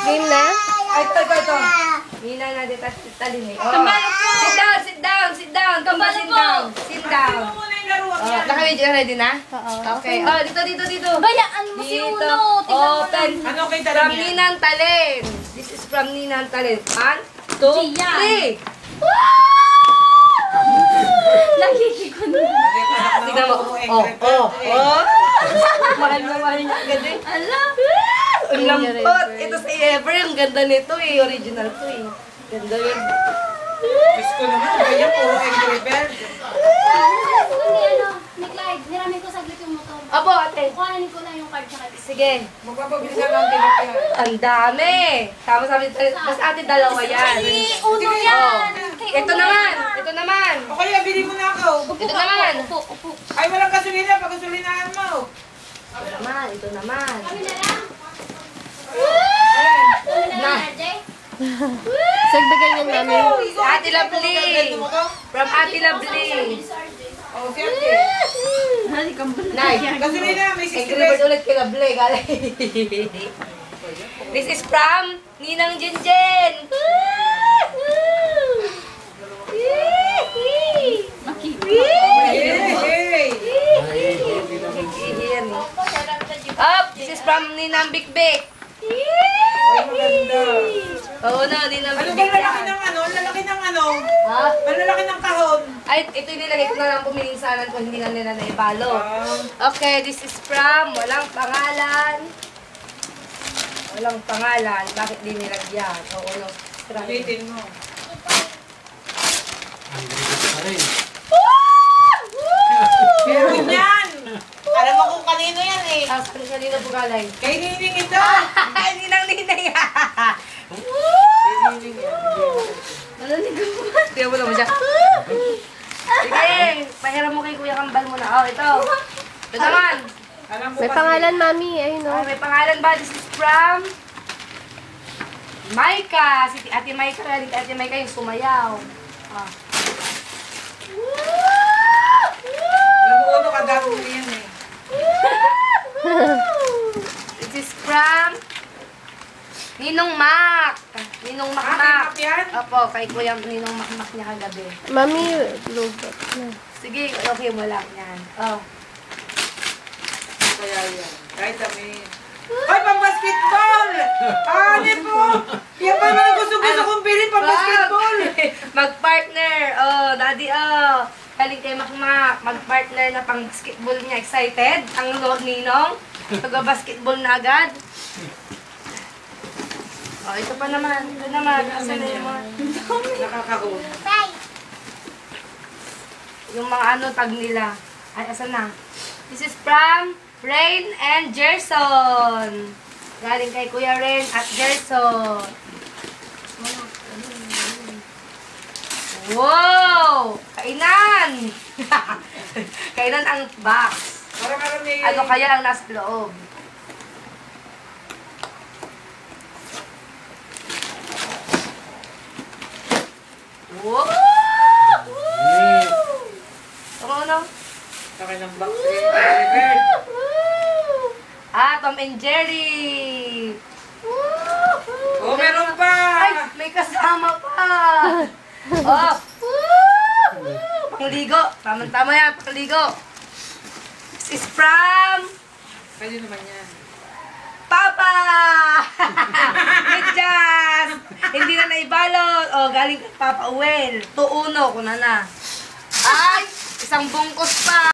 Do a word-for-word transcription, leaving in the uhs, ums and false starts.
Game na? Ay, ito, ito, ito. Hina na dito, talin eh. Oh. Sit down, sit down, sit down. Tumba, sit down. Sit down. Oh, naka-video ready na? Oo. Okay. Oh, dito, dito, dito. Bayaan mo si Dito. Uno. Tingnan mo Open. lang. Ano kay From Talin yan? Ninang Talin. This is from Ninang Talin. One, two, Gian. three. Nakikiko na. Tignan mo. Oh, oh, oh. Mahal na mahal niya. Ganda eh. Ala. Ang lambot. Ito sa Ever. Ang ganda nito eh. Original to eh. Ganda yun. Diyos ko naman, ganyan, puro Angry Bird. Ni ano, ni Clyde, niramin ko saglit yung motor. Apo, ate. Kuhanin ko lang yung card sa kanya. Sige. Magpapabilisan lang din ako yan. Ang dami. Tama sabi tayo. Mas ate dalawa yan. Ay, Uno Sige. yan. Kay Ito Uno naman. yan. Ito naman. O kaya, bili mo na ako. Upo Ito ka, naman. Upo, upo. Ay, walang gasolina, pagkasulinaan mo. Ito naman. Ito naman. Kami na lang. Ayan. Kami na Na. lang, R J. Sagdagan yan namin. Ate Lovely. From Ate Lovely. O, si Ate. Nay. Gasolina, may sixty Angry Bird pesos. ulit kay Lovely. Galing. This is from Ninang Jinjen. Hey, hey. Ihiyan eh. Up! This is from Ninang Big Big. Ay, maganda. Oo na, Ninang Ano Big ba Big lalaki yan. ng ano? Lalaki ng ano? Ha? Malalaki ng kahon. Ay, ito yung nilagay ko na lang pumilinsanan kung hindi na nila naibalo. Ah, Okay, this is from walang pangalan. Walang pangalan. Bakit di nilagyan? Oo, no. Try. ulitin mo. Meron yan. Alam mo kung kanino yan eh. Ah, ano siya dito po galay? Kay Nining ito. Ay, ninang ninay. Kay Nining yan. Tiyan mo naman siya. Sige, pahiram mo kay Kuya Kambal muna. Oh, ito. Ito naman. Alam ko May kasi- pangalan, mami. Ayun, Ah, no? may pangalan ba? This is from Maika. Si Ate Maika. Galing kay Ate Maika yung sumayaw. Ah. Alam mo ano kadami mo yan eh. This is from Ninong Mac. Ninong Mac Ah, Mac. kay Mac yan? Opo, kay Kuya Ninong Mac Mac niya kagabi. Mami, lubat na. Sige, okay mo lang yan. Oh. Kaya yan. Kahit dami. Ay, pang basketball! Ah, ano po? Yan pa naman gusto-gusto kong bilhin pang basketball. Mag-partner. Oh, daddy, oh. Galing kay Mac Mac. Mag-partner na pang basketball niya. Excited? Ang Lord Ninong. Mag-basketball na agad. Oh, ito pa naman. Ito naman. Asan na yung mga... Nakakahon. Yung mga ano tag nila. Ay, asan na? This is from Rain and Gerson. Galing kay Kuya Rain at Gerson. Wow! Kainan! Kainan ang box. Parang alam may... Ano kaya ang nasa loob? Wow! Ano ano? Saka ng box eh. Angry Bird. Ah, Tom and Jerry! Oh, meron pa! Ay, may kasama pa! Oh! Pangligo! Tama-tama yan, pangligo! This is from Pwede naman yan. Papa! Medyas! Hindi na naibalot. O, galing kay Papa Uwel. two uno, kuna na. Ay! Isang bungkos pa!